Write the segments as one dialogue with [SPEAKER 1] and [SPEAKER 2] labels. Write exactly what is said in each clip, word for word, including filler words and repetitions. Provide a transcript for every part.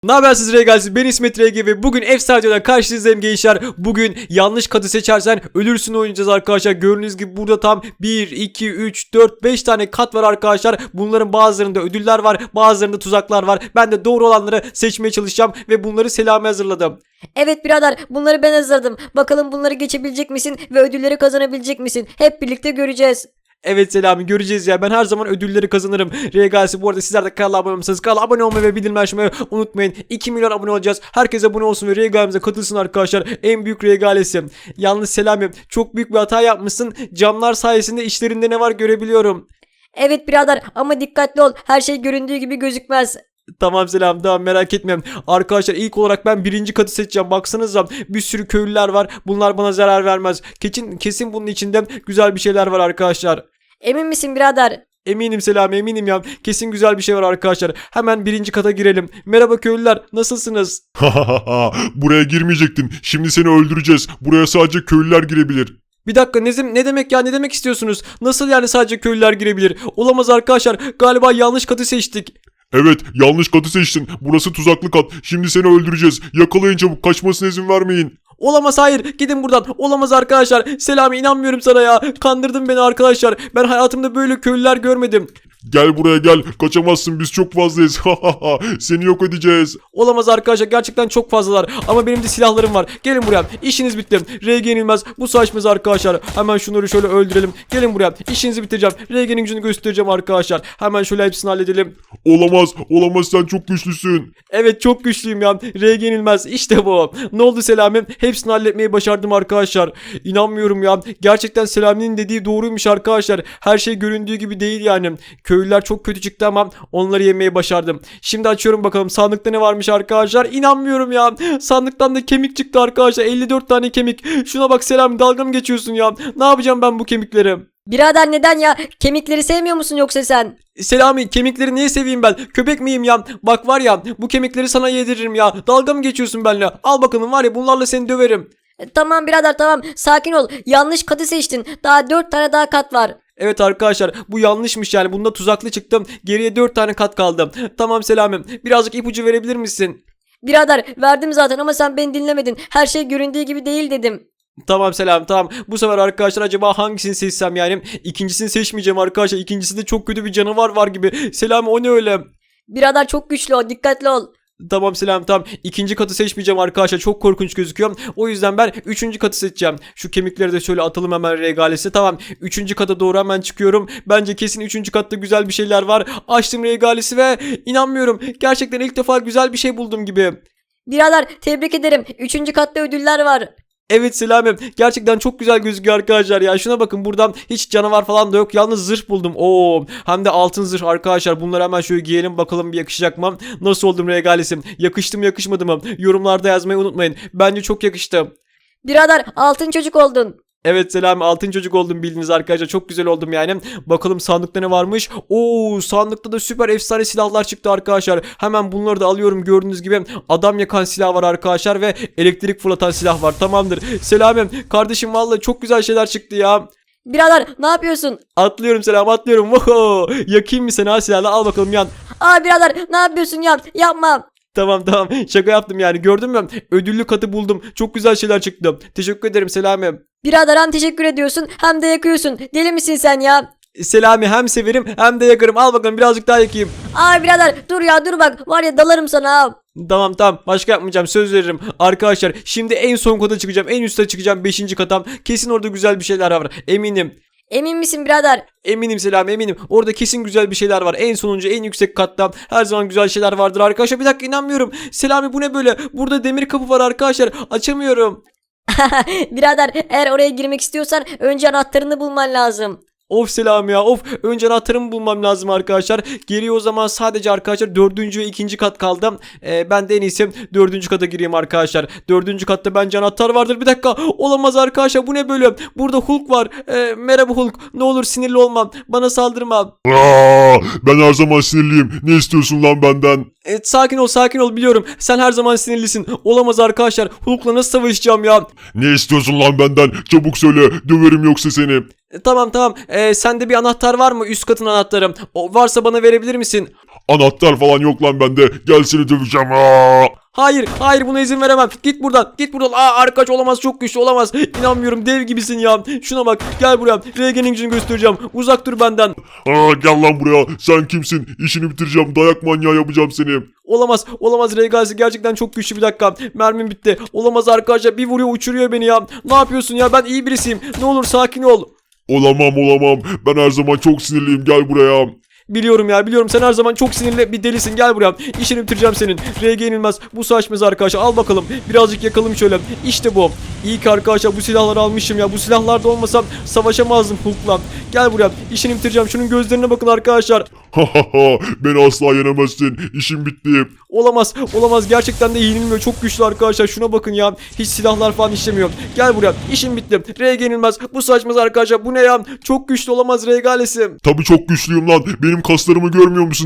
[SPEAKER 1] Ne haber siz Regalsiz? Ben İsmet R G ve bugün Efsane'den karşınızdayım gençler. Bugün yanlış katı seçersen ölürsün oynayacağız arkadaşlar. Gördüğünüz gibi burada tam bir, iki, üç, dört, beş tane kat var arkadaşlar. Bunların bazılarında ödüller var, bazılarında tuzaklar var. Ben de doğru olanları seçmeye çalışacağım ve bunları Selami hazırladım.
[SPEAKER 2] Evet birader, bunları ben hazırladım. Bakalım bunları geçebilecek misin ve ödülleri kazanabilecek misin? Hep birlikte göreceğiz.
[SPEAKER 1] Evet Selami, göreceğiz ya. Ben her zaman ödülleri kazanırım. Regalsi, bu arada sizler de kanala abone olmasanız kanala abone olmayı ve bildirim açmayı unutmayın. iki milyon abone olacağız. Herkes abone olsun ve Regalimize katılsın arkadaşlar. En büyük Regalesi. Yalnız Selami, çok büyük bir hata yapmışsın. Camlar sayesinde işlerinde ne var görebiliyorum.
[SPEAKER 2] Evet birader, ama dikkatli ol. Her şey göründüğü gibi gözükmez.
[SPEAKER 1] Tamam Selam, tamam, merak etme. Arkadaşlar ilk olarak ben birinci katı seçeceğim. Baksanıza bir sürü köylüler var. Bunlar bana zarar vermez. Kesin, kesin bunun içinde güzel bir şeyler var arkadaşlar.
[SPEAKER 2] Emin misin birader?
[SPEAKER 1] Eminim Selami, eminim ya. Kesin güzel bir şey var arkadaşlar. Hemen birinci kata girelim. Merhaba köylüler, nasılsınız?
[SPEAKER 3] Buraya girmeyecektin. Şimdi seni öldüreceğiz. Buraya sadece köylüler girebilir.
[SPEAKER 1] Bir dakika, ne, ne demek ya, ne demek istiyorsunuz? Nasıl yani sadece köylüler girebilir? Olamaz arkadaşlar, galiba yanlış katı seçtik.
[SPEAKER 3] Evet, yanlış katı seçtin. Burası tuzaklı kat. Şimdi seni öldüreceğiz. Yakalayın çabuk. Kaçmasına izin vermeyin.
[SPEAKER 1] Olamaz, hayır, gidin buradan. Olamaz arkadaşlar. Selami, inanmıyorum sana ya. Kandırdın beni arkadaşlar. Ben hayatımda böyle köylüler görmedim.
[SPEAKER 3] Gel buraya gel. Kaçamazsın. Biz çok fazlayız. Seni yok edeceğiz.
[SPEAKER 1] Olamaz arkadaşlar, gerçekten çok fazlalar. Ama benim de silahlarım var. Gelin buraya. İşiniz bitti. R G yenilmez. Bu saçmaz arkadaşlar. Hemen şunları şöyle öldürelim. Gelin buraya. İşinizi bitireceğim. R G'nin gücünü göstereceğim arkadaşlar. Hemen şöyle hepsini halledelim.
[SPEAKER 3] Olamaz. Olamaz, sen çok güçlüsün.
[SPEAKER 1] Evet, çok güçlüyüm ya. R G yenilmez. İşte bu. Ne oldu Selami? Hepsini halletmeyi başardım arkadaşlar. İnanmıyorum ya. Gerçekten Selami'nin dediği doğruymuş arkadaşlar. Her şey göründüğü gibi değil yani. Köylüler çok kötü çıktı ama onları yemeyi başardım. Şimdi açıyorum bakalım sandıkta ne varmış arkadaşlar. İnanmıyorum ya. Sandıktan da kemik çıktı arkadaşlar. elli dört tane kemik. Şuna bak Selami, dalga mı geçiyorsun ya? Ne yapacağım ben bu kemikleri?
[SPEAKER 2] Birader neden ya? Kemikleri sevmiyor musun yoksa sen?
[SPEAKER 1] Selami, kemikleri niye seveyim ben? Köpek miyim ya? Bak var ya, bu kemikleri sana yediririm ya. Dalga mı geçiyorsun benimle? Al bakalım, var ya, bunlarla seni döverim.
[SPEAKER 2] E, tamam birader, tamam. Sakin ol. Yanlış katı seçtin. Daha dört tane daha kat var.
[SPEAKER 1] Evet arkadaşlar, bu yanlışmış yani. Bunda tuzaklı çıktım. Geriye dört tane kat kaldı. Tamam Selami, birazcık ipucu verebilir misin?
[SPEAKER 2] Birader verdim zaten ama sen beni dinlemedin. Her şey göründüğü gibi değil dedim.
[SPEAKER 1] Tamam Selam, tamam. Bu sefer arkadaşlar acaba hangisini seçsem yani? İkincisini seçmeyeceğim arkadaşlar. İkincisinde çok kötü bir canavar var gibi. Selami, o ne öyle?
[SPEAKER 2] Birader çok güçlü o. Dikkatli ol.
[SPEAKER 1] Tamam Selam, tamam. İkinci katı seçmeyeceğim arkadaşlar. Çok korkunç gözüküyor. O yüzden ben üçüncü katı seçeceğim. Şu kemikleri de şöyle atalım hemen regalesi. Tamam. Üçüncü kata doğru hemen çıkıyorum. Bence kesin üçüncü katta güzel bir şeyler var. Açtım regalesi ve inanmıyorum. Gerçekten ilk defa güzel bir şey buldum gibi.
[SPEAKER 2] Birader tebrik ederim. Üçüncü katta ödüller var.
[SPEAKER 1] Evet Selami, gerçekten çok güzel gözüküyor arkadaşlar ya. Şuna bakın, buradan hiç canavar falan da yok. Yalnız zırh buldum. Oo, hem de altın zırh arkadaşlar. Bunları hemen şöyle giyelim bakalım bir yakışacak mı? Nasıl oldum regalisim? Yakıştı mı yakışmadı mı? Yorumlarda yazmayı unutmayın. Bence çok yakıştı.
[SPEAKER 2] Birader altın çocuk oldun.
[SPEAKER 1] Evet Selami, altın çocuk oldum bildiğiniz arkadaşlar. Çok güzel oldum yani. Bakalım sandıkta ne varmış? Oo, sandıkta da süper efsane silahlar çıktı arkadaşlar. Hemen bunları da alıyorum. Gördüğünüz gibi adam yakan silah var arkadaşlar ve elektrik fırlatan silah var. Tamamdır. Selami kardeşim, vallahi çok güzel şeyler çıktı ya.
[SPEAKER 2] Birader ne yapıyorsun?
[SPEAKER 1] Atlıyorum Selami, atlıyorum. Oho, yakayım mı seni ha silahla? Al bakalım, yan.
[SPEAKER 2] Aa birader ne yapıyorsun ya? Yapma.
[SPEAKER 1] Tamam tamam, şaka yaptım yani, gördün mü? Ödüllü katı buldum. Çok güzel şeyler çıktı. Teşekkür ederim Selami.
[SPEAKER 2] Birader hem teşekkür ediyorsun hem de yakıyorsun. Deli misin sen ya?
[SPEAKER 1] Selami, hem severim hem de yakarım. Al bakalım, birazcık daha yakayım.
[SPEAKER 2] Aa birader dur ya, dur bak. Var ya dalarım sana ha.
[SPEAKER 1] Tamam tamam, başka yapmayacağım, söz veririm. Arkadaşlar şimdi en son kata çıkacağım. En üste çıkacağım, beşinci katam. Kesin orada güzel bir şeyler var, eminim.
[SPEAKER 2] Emin misin birader?
[SPEAKER 1] Eminim Selami, eminim. Orada kesin güzel bir şeyler var. En sonuncu, en yüksek katta her zaman güzel şeyler vardır arkadaşlar. Bir dakika, inanmıyorum. Selami, bu ne böyle? Burada demir kapı var arkadaşlar. Açamıyorum.
[SPEAKER 2] Birader eğer oraya girmek istiyorsan önce anahtarını bulman lazım.
[SPEAKER 1] Of Selami ya, of. Önce anahtarımı bulmam lazım arkadaşlar. Geriye o zaman sadece arkadaşlar dördüncü ve ikinci kat kaldı. Ee, ben de en iyisi dördüncü kata gireyim arkadaşlar. Dördüncü katta bence anahtar vardır. Bir dakika, olamaz arkadaşlar, bu ne böyle? Burada Hulk var. Ee, merhaba Hulk. Ne olur sinirli olmam. Bana saldırma.
[SPEAKER 3] Aa, ben her zaman sinirliyim. Ne istiyorsun lan benden?
[SPEAKER 1] Evet, sakin ol sakin ol, biliyorum. Sen her zaman sinirlisin. Olamaz arkadaşlar. Hulk'la nasıl savaşacağım ya?
[SPEAKER 3] Ne istiyorsun lan benden? Çabuk söyle. Döverim yoksa seni.
[SPEAKER 1] E, tamam tamam. E, sende bir anahtar var mı? Üst katın anahtarı. O varsa bana verebilir misin?
[SPEAKER 3] Anahtar falan yok lan bende. Gel seni döveceğim. Aa!
[SPEAKER 1] Hayır, hayır buna izin veremem. Git buradan, git buradan. Aa arkadaş olamaz, çok güçlü olamaz. İnanmıyorum, dev gibisin ya. Şuna bak, gel buraya. R G'nin gücünü göstereceğim. Uzak dur benden.
[SPEAKER 3] Aa, gel lan buraya. Sen kimsin? İşini bitireceğim. Dayak manyağı yapacağım seni.
[SPEAKER 1] Olamaz, olamaz. Regalsi gerçekten çok güçlü. Bir dakika, mermim bitti. Olamaz arkadaşlar, bir vuruyor uçuruyor beni ya. Ne yapıyorsun ya, ben iyi birisiyim. Ne olur sakin ol.
[SPEAKER 3] Olamam olamam. Ben her zaman çok sinirliyim. Gel buraya.
[SPEAKER 1] Biliyorum ya, biliyorum, sen her zaman çok sinirli bir delisin. Gel buraya, işini bitireceğim senin. R G yenilmez, bu saçmaz arkadaşlar. Al bakalım, birazcık yakalım şöyle. İşte bu. İyi ki arkadaşlar bu silahları almışım ya. Bu silahlarda olmasam savaşamazdım Hulk'la. Gel buraya, işini bitireceğim. Şunun gözlerine bakın arkadaşlar.
[SPEAKER 3] Beni asla yenemezsin. İşim bitti.
[SPEAKER 1] Olamaz, olamaz, gerçekten de yenilmiyor. Çok güçlü arkadaşlar, şuna bakın ya. Hiç silahlar falan işlemiyor. Gel buraya, işim bitti. R G yenilmez, bu saçmaz arkadaşlar. Bu ne ya, çok güçlü olamaz Regalesi.
[SPEAKER 3] Tabii çok güçlüyüm lan. Benim kaslarımı görmüyor musun?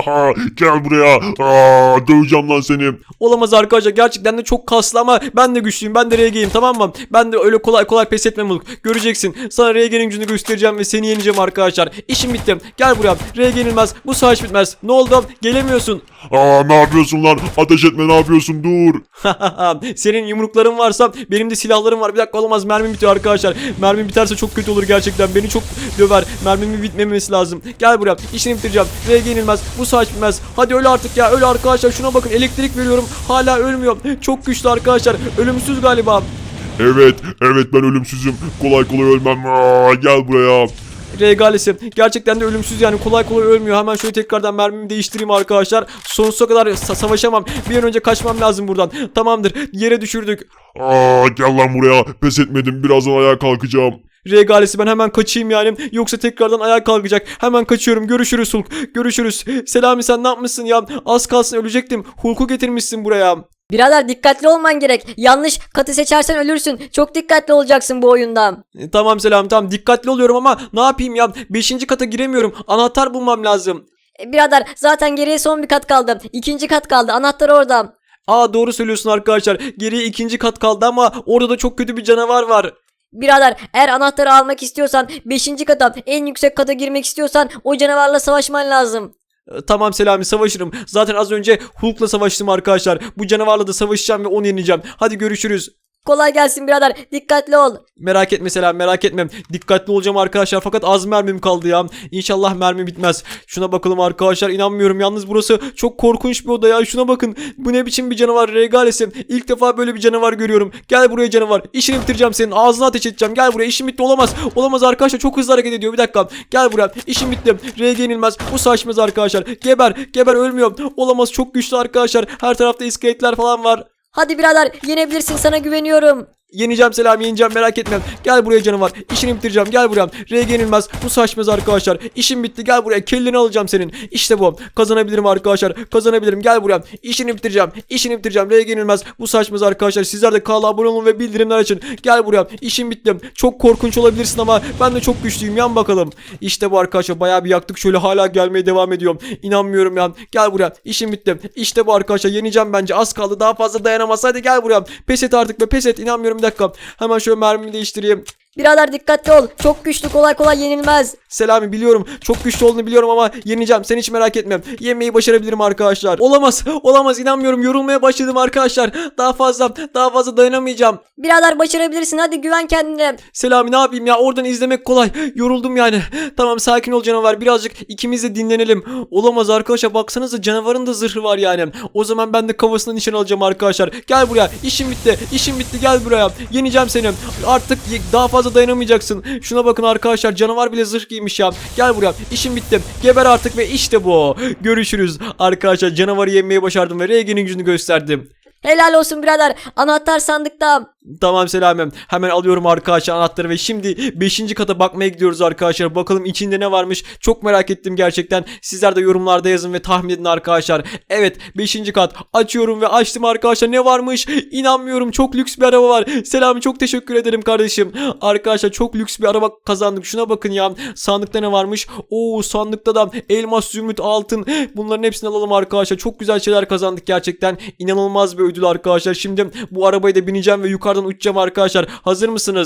[SPEAKER 3] Gel buraya. Aa, döveceğim lan seni.
[SPEAKER 1] Olamaz arkadaşlar, gerçekten de çok kaslı ama ben de güçlüyüm, ben de R G'yim, tamam mı? Ben de öyle kolay kolay pes etmem Hulk. Göreceksin, sana R G'nin gücünü göstereceğim ve seni yeneceğim arkadaşlar. İşim bitti, gel buraya. R G yenilmez, bu savaş bitmez. Ne oldu, gelemiyorsun.
[SPEAKER 3] Aa, ne yapıyorsun lan? Ateş etme, ne yapıyorsun? Dur.
[SPEAKER 1] Senin yumrukların varsa benim de silahlarım var. Bir dakika, olamaz, mermim bitiyor arkadaşlar. Mermim biterse çok kötü olur gerçekten, beni çok döver. Mermimin bitmemesi lazım. Gel buraya, işini bitireceğim. R G yenilmez, bu savaş bitmez. Hadi öl artık ya, öl arkadaşlar. Şuna bakın, elektrik veriyorum, hala ölmüyor. Çok güçlü arkadaşlar, ölümsüz galiba.
[SPEAKER 3] Evet, evet ben ölümsüzüm. Kolay kolay ölmem. Aa, gel buraya.
[SPEAKER 1] Regalesi gerçekten de ölümsüz, yani kolay kolay ölmüyor. Hemen şöyle tekrardan mermimi değiştireyim arkadaşlar. Sonsuza kadar sa- savaşamam. Bir an önce kaçmam lazım buradan. Tamamdır, yere düşürdük.
[SPEAKER 3] Aa, gel lan buraya. Pes etmedim. Birazdan ayağa kalkacağım.
[SPEAKER 1] Regalesi, ben hemen kaçayım yani. Yoksa tekrardan ayağa kalkacak. Hemen kaçıyorum. Görüşürüz Hulk. Görüşürüz. Selami, sen ne yapmışsın ya? Az kalsın ölecektim. Hulk'u getirmişsin buraya.
[SPEAKER 2] Birader dikkatli olman gerek. Yanlış katı seçersen ölürsün. Çok dikkatli olacaksın bu oyunda.
[SPEAKER 1] E, tamam Selami, tamam, dikkatli oluyorum ama ne yapayım ya? Beşinci kata giremiyorum. Anahtar bulmam lazım.
[SPEAKER 2] E, Birader zaten geriye son bir kat kaldı. İkinci kat kaldı. Anahtar orada.
[SPEAKER 1] Aa, doğru söylüyorsun arkadaşlar. Geriye ikinci kat kaldı ama orada da çok kötü bir canavar var.
[SPEAKER 2] Birader eğer anahtarı almak istiyorsan beşinci kata, en yüksek kata girmek istiyorsan o canavarla savaşman lazım.
[SPEAKER 1] E, Tamam Selami, savaşırım. Zaten az önce Hulk'la savaştım arkadaşlar. Bu canavarla da savaşacağım ve onu yeneceğim. Hadi görüşürüz.
[SPEAKER 2] Kolay gelsin birader. Dikkatli ol.
[SPEAKER 1] Merak etme Selam, merak etmem. Dikkatli olacağım arkadaşlar, fakat az mermim kaldı ya. İnşallah mermi bitmez. Şuna bakalım arkadaşlar, inanmıyorum. Yalnız burası çok korkunç bir oda ya. Şuna bakın. Bu ne biçim bir canavar Regalesi. İlk defa böyle bir canavar görüyorum. Gel buraya canavar. İşini bitireceğim senin. Ağzına ateş edeceğim. Gel buraya. İşim bitti. Olamaz. Olamaz arkadaşlar. Çok hızlı hareket ediyor. Bir dakika. Gel buraya. İşim bitti. R G yenilmez. Bu saçmaz arkadaşlar. Geber. Geber, ölmüyor. Olamaz. Çok güçlü arkadaşlar. Her tarafta iskeletler falan var.
[SPEAKER 2] Hadi birader yenebilirsin, sana güveniyorum.
[SPEAKER 1] Yeneceğim Selam, yeneceğim, merak etme. Gel buraya canavar. İşini bitireceğim. Gel buraya. R G yenilmez. Bu saçmaz arkadaşlar. İşim bitti. Gel buraya. Kelleni alacağım senin. İşte bu. Kazanabilirim arkadaşlar. Kazanabilirim. Gel buraya. İşini bitireceğim. İşini bitireceğim. R G yenilmez. Bu saçmaz arkadaşlar. Sizler de kanala abone olun ve bildirimler açın. Gel buraya. İşim bitti. Çok korkunç olabilirsin ama ben de çok güçlüyüm. Yan bakalım. İşte bu arkadaşlar. Bayağı bir yaktık. Şöyle hala gelmeye devam ediyorum. İnanmıyorum ya. Gel buraya. İşim bitti. İşte bu arkadaşlar. Yeneceğim bence. Az kaldı. Daha fazla dayanamaz. Hadi gel buraya. Pes et artık be. Pes et. İnanmıyorum. Bir dakika. Hemen şöyle mermimi değiştireyim.
[SPEAKER 2] Birader dikkatli ol. Çok güçlü, kolay kolay yenilmez.
[SPEAKER 1] Selami, biliyorum. Çok güçlü olduğunu biliyorum ama yeneceğim. Sen hiç merak etme. Yenmeyi başarabilirim arkadaşlar. Olamaz. Olamaz. İnanmıyorum. Yorulmaya başladım arkadaşlar. Daha fazla daha fazla dayanamayacağım.
[SPEAKER 2] Birader başarabilirsin, hadi güven kendine.
[SPEAKER 1] Selami, ne yapayım ya? Oradan izlemek kolay. Yoruldum yani. Tamam, sakin ol canavar. Birazcık ikimiz de dinlenelim. Olamaz arkadaşlar. Baksanıza, canavarın da zırhı var yani. O zaman ben de kafasına nişan alacağım arkadaşlar. Gel buraya. İşim bitti. İşim bitti. Gel buraya. Yeneceğim seni. Artık daha fazla dayanamayacaksın. Şuna bakın arkadaşlar. Canavar bile zırh giymiş ya. Gel buraya. İşim bitti. Geber artık ve işte bu. Görüşürüz. Arkadaşlar, canavarı yenmeyi başardım ve R G'nin gücünü gösterdim.
[SPEAKER 2] Helal olsun birader. Anahtar sandıkta.
[SPEAKER 1] Tamam Selamem. Hemen alıyorum arkadaşlar anahtarı ve şimdi beşinci kata bakmaya gidiyoruz arkadaşlar. Bakalım içinde ne varmış. Çok merak ettim gerçekten. Sizler de yorumlarda yazın ve tahmin edin arkadaşlar. Evet, beşinci kat. Açıyorum ve açtım arkadaşlar. Ne varmış? İnanmıyorum. Çok lüks bir araba var. Selami, çok teşekkür ederim kardeşim. Arkadaşlar, çok lüks bir araba kazandık. Şuna bakın ya. Sandıkta ne varmış? Oo, sandıkta da elmas, zümrüt, altın. Bunların hepsini alalım arkadaşlar. Çok güzel şeyler kazandık gerçekten. İnanılmaz bir ödül arkadaşlar. Şimdi bu arabaya da bineceğim ve yukarıdan uçacağım arkadaşlar. Hazır mısınız?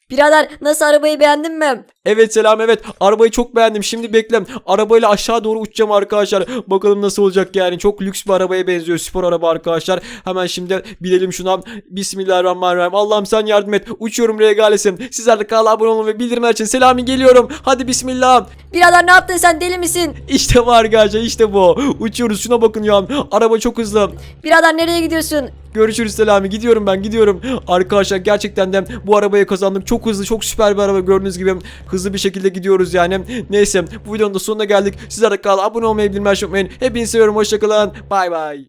[SPEAKER 2] Birader nasıl, arabayı beğendin mi?
[SPEAKER 1] Evet Selam, evet arabayı çok beğendim. Şimdi bekle, arabayla aşağı doğru uçacağım arkadaşlar. Bakalım nasıl olacak yani. Çok lüks bir arabaya benziyor, spor araba arkadaşlar. Hemen şimdi binelim şuna. Bismillahirrahmanirrahim. Allah'ım sen yardım et. Uçuyorum regalesim. Sizler de kanala abone olun ve bildirimler için. Selami geliyorum. Hadi bismillah.
[SPEAKER 2] Birader ne yaptın sen, deli misin?
[SPEAKER 1] İşte bu arkadaşlar, işte bu. Uçuyoruz, şuna bakın ya. Araba çok hızlı.
[SPEAKER 2] Birader nereye gidiyorsun?
[SPEAKER 1] Görüşürüz Selami. Gidiyorum ben, gidiyorum. Arkadaşlar gerçekten de bu arabayı kazandık. Çok hızlı, çok süper bir araba, gördüğünüz gibi. Hızlı bir şekilde gidiyoruz yani. Neyse, bu videonun da sonuna geldik. Sizler de kanala abone olmayı, bildirimleri açmayı unutmayın. Hepinizi seviyorum. Hoşçakalın. Bay bay.